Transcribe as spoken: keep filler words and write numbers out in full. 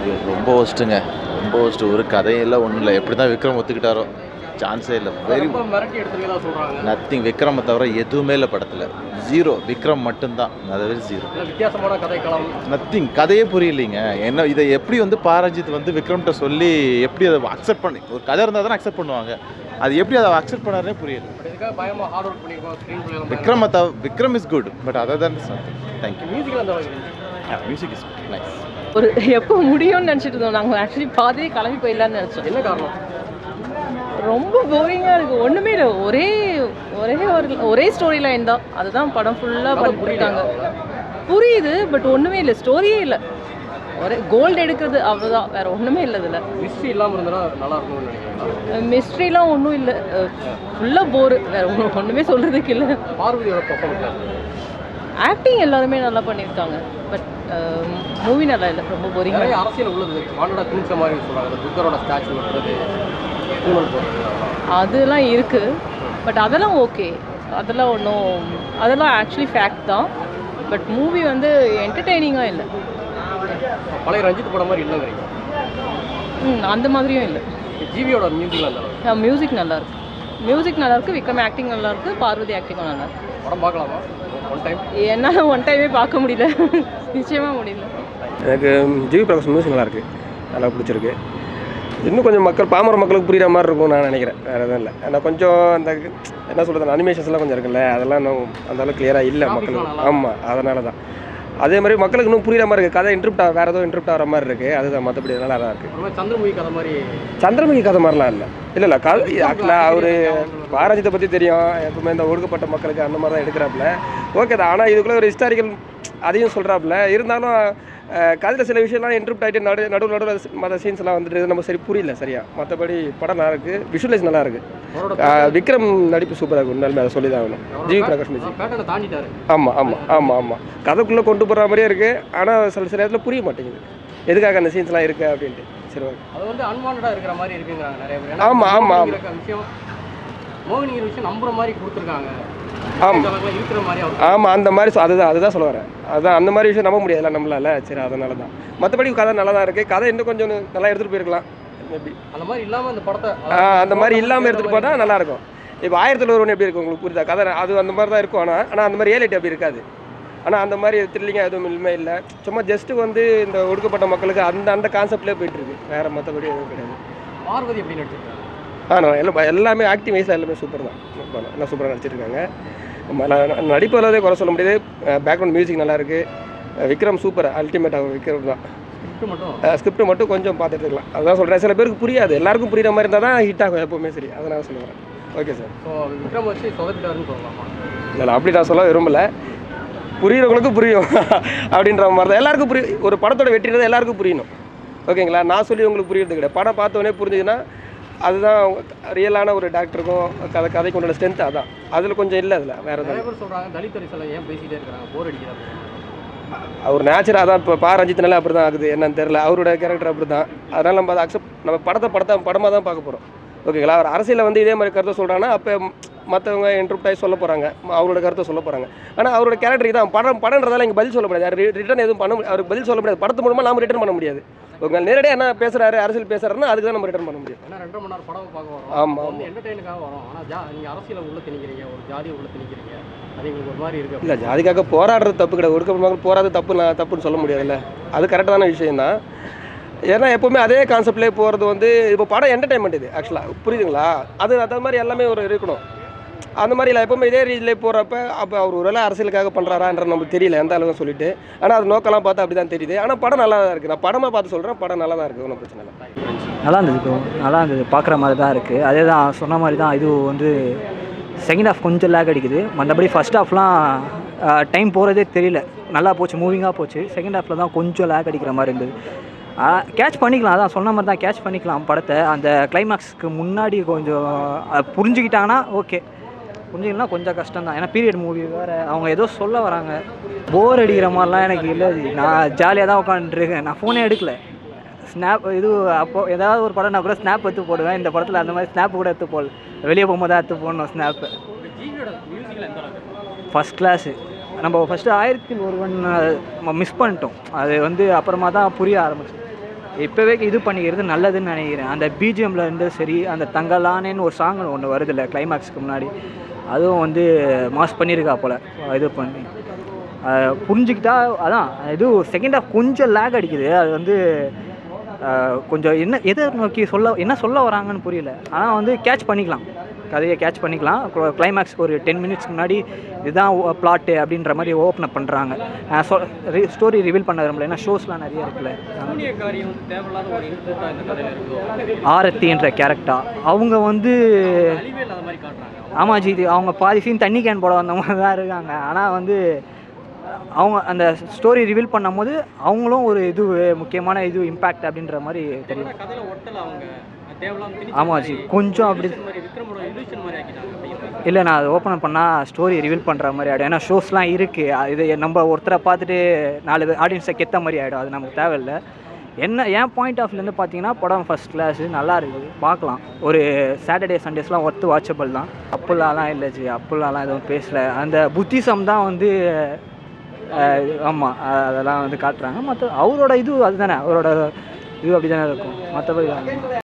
ரொம்ப ஒஸ்ட்டுங்க. ரொம்ப ஒஸ்ட்டு. ஒரு கதையெல்லாம் ஒன்றும் இல்லை. எப்படி தான் விக்ரம் ஒத்துக்கிட்டாரோ சான்ஸே இல்லை. வெரி மிரட்டி எடுத்துருக்கதா சொல்கிறாங்க. நத்திங். விக்ரமை தவிர எதுவுமே இல்லை படத்தில். ஜீரோ. விக்ரம் மட்டும்தான். அதுவே ஜீரோ. வித்தியாசமான கதைக்களம். நத்திங். கதையே புரியலைங்க. என்ன இதை எப்படி வந்து பாரஞ்சித் வந்து விக்ரம்கிட்ட சொல்லி எப்படி அதை அக்செப்ட் பண்ணி, ஒரு கதை இருந்தால் தானே அக்செப்ட் பண்ணுவாங்க. அது எப்படி அதை அக்செப்ட் பண்ணாரே புரியல. விக்ரம் தவிர Vikram is good, but other than is nothing. Thank you. Music is nice. ஒரு எப்போ முடியும்னு நினச்சிட்டு இருந்தோம் நாங்கள். ஆக்சுவலி பாதியே கிளம்பி போயிடலான்னு நினச்சோம். என்ன காரணம்? ரொம்ப போரிங்காக இருக்குது. ஒன்றுமே இல்லை. ஒரே ஒரே ஒரு ஒரே ஸ்டோரி லைன் தான். அதுதான் படம் ஃபுல்லாக பண்ணிட்டாங்க. புரியுது, பட் ஒன்றுமே இல்லை. ஸ்டோரியே இல்லை. ஒரே கோல்டு எடுக்கிறது அவ்வளோதான். வேறு ஒன்றுமே இல்லை இதில். மிஸ்ட்ரி இல்லாமல் இருந்தால் நல்லா இருக்கும்னு நினைக்கிறேன். மிஸ்ட்ரிலாம் ஒன்றும் இல்லை. ஃபுல்லாக போரு. வேறு ஒன்றும் ஒன்றுமே சொல்கிறதுக்கு இல்லை. பார்வதியோட பர்ஃபார்மன்ஸ், ஆக்டிங் எல்லாருமே நல்லா பண்ணியிருக்காங்க. பட் மூவி நல்லா இல்லை. ரொம்ப போரிங். நிறைய அரசியல் உள்ளது. வாண்டடா திணிச்ச மாதிரி சொல்கிறாங்க. புக்கரோட ஸ்டாச்சு வருது, அதெல்லாம் இருக்குது. பட் அதெல்லாம் ஓகே. அதெல்லாம் ஒன்றும், அதெல்லாம் ஆக்சுவலி ஃபேக்ட் தான். பட் மூவி வந்து என்டர்டெய்னிங்காக இல்லை. பழைய ரஞ்சித் படம் மாதிரி இல்லைங்கிறீங்க? ம் அந்த மாதிரியும் இல்லை. ஜிவியோட மியூசிக்லாம் நல்லா மியூசிக் நல்லாயிருக்கு. மியூசிக் நல்லாயிருக்கு. விக்ரம் ஆக்டிங் நல்லாயிருக்கு. பார்வதி ஆக்டிங்கும் நல்லாயிருக்கு. படம் பார்க்கலாமா ஒன் டைம்? என்னால் ஒன் டைமே பார்க்க முடியல. நிச்சயமாக முடியல. எனக்கு ஜிவி பிரகாஷ் மியூசிக் நல்லாயிருக்கு. நல்லா பிடிச்சிருக்கு. இன்னும் கொஞ்சம் மக்கள் பாமர மக்களுக்கு புரிகிற மாதிரி இருக்கும் நான் நினைக்கிறேன். வேறு எதுவும் இல்லை. ஏன்னா கொஞ்சம் அந்த என்ன சொல்கிறது, அனிமேஷன்ஸ்லாம் கொஞ்சம் இருக்குல்ல, அதெல்லாம் இன்னும் அந்த அளவுக்கு கிளியராக இல்லை மக்களுக்கு. ஆமாம், அதனால தான். அதே மாதிரி மக்களுக்கு இன்னும் புரிகிற மாதிரி இருக்குது. கதை இன்ட்ரப்ட் வேறு ஏதோ இன்ட்ரப்ட் ஆகிற மாதிரி இருக்குது. அதுதான். மற்றபடி நல்லா தான் இருக்குது. சந்திரமுகி கதை மாதிரி. சந்திரமுகி கதை மாதிரிலாம் இல்லை. இல்லை இல்லை கதை ஆக்சுவலாக அவர் பாரஞ்சித்தை பற்றி தெரியும். எப்பவுமே இந்த ஒடுக்கப்பட்ட மக்களுக்கு அந்த மாதிரி தான் எடுக்கிறாப்புல. ஓகே தான். ஆனால் இதுக்குள்ளே ஒரு ஹிஸ்டாரிக்கல் அதையும் சொல்கிறாப்புல. இருந்தாலும் கதையில் சில விஷயம்லாம் இன்ட்ரப்ட் ஆகிட்டு நடு நடுவு நடுவில் மற்ற சீன்ஸ்லாம் வந்துட்டு நம்ம சரி புரியல சரியா. மற்றபடி படம் நல்லா இருக்குது. விஷுவலைஸ் நல்லா இருக்குது. விக்ரம் நடிப்பு சூப்பராக இருக்கும். உண்மையிலுமே அதை சொல்லி தான் ஆகணும். GV Prakash music. ஆமாம் ஆமாம் ஆமாம் ஆமாம் கதைக்குள்ளே கொண்டு போகிற மாதிரியே இருக்குது. ஆனால் சில சில இடத்துல புரிய மாட்டேங்குது எதுக்காக அந்த சீன்ஸ்லாம் இருக்குது அப்படின்ட்டு. சரி ஓகே. அது வந்து அன்வான்டா இருக்கிற மாதிரி இருக்குங்கிறாங்க நிறைய பேர். ஆமாம் ஆமாம் விஷயம் மோகினிங்கிற விஷயம் நம்புற மாதிரி கொடுத்துருக்காங்க. ஆமாம் இருக்கிற மாதிரி ஆமாம் அந்த மாதிரி அதுதான் அதுதான் சொல்ல வரேன். அதுதான் அந்த மாதிரி விஷயம் நம்ப முடியாதுல்ல நம்மளால. சரி அதனால தான். மற்றபடி கதை நல்லா தான் இருக்குது. கதை இன்னும் கொஞ்சம் நல்லா எடுத்துகிட்டு போயிருக்கலாம் மேபி. அந்த மாதிரி இல்லாமல் அந்த படத்தை அந்த மாதிரி இல்லாமல் எடுத்துகிட்டு போனால் நல்லாயிருக்கும். இப்போ ஆயிரத்தில் ஒருவன் எப்படி இருக்கும் உங்களுக்கு புரியுதா? கதை அது அந்த மாதிரி தான் இருக்கும். ஆனால் ஆனால் அந்த மாதிரி ரியாலிட்டி அப்படி இருக்காது. ஆனால் அந்த மாதிரி த்ரில்லிங்காக எதுவும் இனிமே இல்லை. சும்மா ஜஸ்ட்டு வந்து இந்த ஒடுக்கப்பட்ட மக்களுக்கு அந்த அந்த கான்செப்ட்லேயே போயிட்டுருக்கு. வேறு மற்றபடி எதுவும் கிடையாது. பார்வதி எப்படி நடிச்சிருக்காங்க? ஆ நான் எல்லாம் எல்லாமே ஆக்டிங் வைஸாக எல்லாமே சூப்பர் தான். எல்லாம் சூப்பராக நடிச்சிருக்காங்க. நடிப்பு எல்லாத்தையும் குறை சொல்ல முடியாது. பேக்ரவுண்ட் மியூசிக் நல்லாயிருக்கு. விக்ரம் சூப்பர் அல்டிமேட்டாக விக்ரம் தான். ஸ்கிரிப்ட் மட்டும் கொஞ்சம் பார்த்து எடுத்துக்கலாம். அதுதான் சொல்கிறேன். சில பேருக்கு புரியாது. எல்லாருக்கும் புரியுற மாதிரி இருந்தால் தான் ஹிட் ஆகும் எப்போவுமே. சரி அதனால் சொல்லுவேன். Okay sir. ஸோ விக்ரம் வச்சு சொதப்பிட்டாருன்னு சொல்லலாமா? இல்லை அப்படி நான் சொல்ல விரும்பலை. புரியுறவங்களுக்கும் புரியும் அப்படின்ற மாதிரி தான். எல்லாருக்கும் புரியும். ஒரு படத்தோட வெற்றின்றது எல்லாருக்கும் புரியணும். ஓகேங்களா? நான் சொல்லி உங்களுக்கு புரியுறது கிடையாது. படம் பார்த்தோன்னே புரிஞ்சுதுன்னா அதுதான் ரியலான ஒரு டாக்டருக்கும் கதை கதைக்கு உண்டான ஸ்ட்ரென்த். அதான் அதில் கொஞ்சம் இல்லை. அதில் வேறு எதாவது சொல்கிறாங்க. தலித் அரசியல் ஏன் பேசிகிட்டே இருக்கிறாங்க, போர் அடிக்கிறாங்க. அவர் நேச்சர் அதான். இப்போ பா ரஞ்சித்னால அப்படி தான் ஆகுது. என்னன்னு தெரில. அவரோட கேரக்டர் அப்படி தான். அதனால் நம்ம அதை அக்செப்ட் நம்ம படத்தை படத்தை படமாக தான் பார்க்க போகிறோம். ஓகேங்களா? அவர் அரசியலில் வந்து இதே மாதிரி கருத்தை சொல்கிறாங்கன்னா அப்போ மற்றவங்க இன்ட்ரப்ட் ஆகி சொல்ல போகிறாங்க. அவரோட கருத்தை சொல்ல போகிறாங்க. ஆனால் அவரோட கேரக்டர் தான் படம் படம்ன்றதால இங்கே பதில் சொல்ல முடியாது. ரிட்டர்ன் எதுவும் பண்ண முடியாது. அவருக்கு பதில் சொல்ல முடியாது. படத்து மூலமாக நாம் ரிட்டர்ன் பண்ண முடியாது. உங்க நேரடியாக என்ன பேசுகிறாரு, அரசியல் பேசுகிறாருன்னா அதுக்கு தான் நம்ம ரிட்டர்ன் பண்ண முடியும். ஏன்னா ரெண்டரை மணி நேரம் படம் பார்க்க வரோம். ஆமாம் வந்து என்டர்டெயினுக்காக வரோம். ஆனால் ஜா நீங்கள் அரசியலை உள்ள திணிக்கிறீங்க, ஒரு ஜாதியை உள்ள திணிக்கிறீங்க. அது எங்களுக்கு ஒரு மாதிரி இருக்குது. இல்லை ஜாதிக்காக போராடுறது தப்பு கிடையாது. ஒடுக்கப்பட்ட போராது தப்பு நான் தப்புன்னு சொல்ல முடியாதுல்ல. அது கரெக்டான விஷயம் தான். ஏன்னா எப்போவுமே அதே கான்செப்ட்லேயே போகிறது வந்து இப்போ படம் என்டர்டைன்மெண்ட் இது ஆக்சுவலாக புரியுதுங்களா? அது அது மாதிரி எல்லாமே ஒரு இருக்கணும். அந்த மாதிரி இல்லை. எப்போவுமே இதே ரீதியிலே போகிறப்ப அப்போ அவர் ஒரு வேளை அரசியலுக்காக பண்ணுறாரான்ற நமக்கு தெரியல எந்த அளவுக்கு சொல்லிட்டு. ஆனால் அது நோக்கெல்லாம் பார்த்தா அப்படி தான் தெரியுது. ஆனால் படம் நல்லா தான் இருக்குது. நான் படமாக பார்த்து சொல்கிறேன். படம் நல்லா தான் இருக்குது. ஒன்றும் பிரச்சனை இல்லை. நல்லா இருந்தது ப்ரோ. நல்லா இருந்தது. பார்க்குற மாதிரி தான் இருக்குது. அதே தான் சொன்ன மாதிரி தான். இது வந்து செகண்ட் ஹாஃப் கொஞ்சம் லேக் அடிக்குது. மற்றபடி ஃபஸ்ட் ஹாஃப்லாம் டைம் போகிறதே தெரியல. நல்லா போச்சு. மூவிங்காக போச்சு. செகண்ட் ஹாஃபில் தான் கொஞ்சம் லேக் அடிக்கிற மாதிரி இருந்தது. கேட்ச் பண்ணிக்கலாம். அதான் சொன்ன மாதிரி தான் கேட்ச் பண்ணிக்கலாம் படத்தை. அந்த கிளைமேக்ஸ்க்கு முன்னாடி கொஞ்சம் புரிஞ்சுக்கிட்டாங்கன்னா ஓகே. புரிஞ்சுக்கலாம் கொஞ்சம் கஷ்டம் தான். ஏன்னா பீரியட் மூவி வேறு. அவங்க ஏதோ சொல்ல வராங்க. போர் அடிக்கிற மாதிரிலாம் எனக்கு இல்லை. நான் ஜாலியாக தான் உட்காந்துருக்கேன். நான் ஃபோனே எடுக்கல. ஸ்னாப் இது அப்போது ஏதாவது ஒரு படம் நான் கூட ஸ்னாப் எடுத்து போடுவேன். இந்த படத்தில் அந்த மாதிரி ஸ்னாப் கூட எடுத்து போடல. வெளியே போகும்போது தான் எடுத்து போடணும் ஸ்னாப்பு. First class. நம்ம ஃபஸ்ட்டு ஆயிரத்தில் ஒருவன் மிஸ் பண்ணிட்டோம். அது வந்து அப்புறமா தான் புரிய ஆரம்பிச்சோம். இப்போவே இது பண்ணிக்கிறது நல்லதுன்னு நினைக்கிறேன். அந்த பிஜிஎம்ல இருந்து சரி, அந்த தங்கலானேன்னு ஒரு சாங் ஒன்று வருது இல்லை கிளைமேக்ஸ்க்கு முன்னாடி, அதுவும் வந்து மாஸ் பண்ணியிருக்கா போல் இது பண்ணி அஹ் புரிஞ்சுக்கிட்டா. அதான் இது செகண்ட் ஹாஃப் கொஞ்சம் லேக் அடிக்குது. அது வந்து அஹ் கொஞ்சம் என்ன எதை நோக்கி சொல்ல என்ன சொல்ல வராங்கன்னு புரியல. ஆனால் வந்து கேட்ச் பண்ணிக்கலாம், கதையை கேட்ச் பண்ணிக்கலாம். கிளைமேக்ஸ்க்கு ஒரு டென் மினிட்ஸ்க்கு முன்னாடி இதுதான் பிளாட்டு அப்படின்ற மாதிரி ஓப்பன் அப் பண்ணுறாங்க. சொ ஸ்டோரி ரிவீல் பண்ண விரும்பல, ஏன்னா ஷோஸ்லாம் நிறைய இருக்குல்ல. சூனியக்காரியம் தேவையில்லாத ஒரு இன்ட்ரெஸ்ட்டாக இந்த கதையில் இருக்கும். ஆரத்தின்ற கேரக்டர் அவங்க வந்து அழிவே இல்லாத மாதிரி காட்டுறாங்க. ஆமாம் ஜி, இது அவங்க பாதி சீன் தண்ணி கேன் போட வந்த மாதிரி தான் இருக்காங்க. ஆனால் வந்து அவங்க அந்த ஸ்டோரி ரிவீல் பண்ணும்போது அவங்களும் ஒரு இது முக்கியமான இது இம்பேக்ட் அப்படின்ற மாதிரி தெரியும். கதையில் ஒட்டல அவங்க தேவையில்லாம. ஆமாம் ஜி, கொஞ்சம் அப்படி விக்ரமோட இல்யூஷன் மாதிரி ஆக்கிட்டாங்க. இல்லை, நான் அதை ஓப்பன் பண்ணால் ஸ்டோரி ரிவீல் பண்ணுற மாதிரி ஆகிடும். ஏன்னா ஷோஸ்லாம் இருக்குது, இது நம்ம ஒருத்தரை பார்த்துட்டு நாலு ஆடியன்ஸை கெத்த மாதிரி ஆகிடும். அது நமக்கு தேவையில்லை. என்ன என் பாயிண்ட் ஆஃப் வியூலேருந்து பார்த்தீங்கன்னா படம் ஃபஸ்ட் கிளாஸு, நல்லா இருக்குது, பார்க்கலாம். ஒரு சாட்டர்டே சண்டேஸ்லாம் ஒர்த்து வாட்சபிள் தான். அப்புல்லாலாம் இல்லை ஜி, அப்புல்லாலாம் எதுவும் பேசலை. அந்த புத்திசம் தான் வந்து ஆமாம் அதெல்லாம் வந்து காட்டுறாங்க. மற்ற அவரோட இது அதுதானே, அவரோட இது அப்படி தானே இருக்கும். மற்றபடி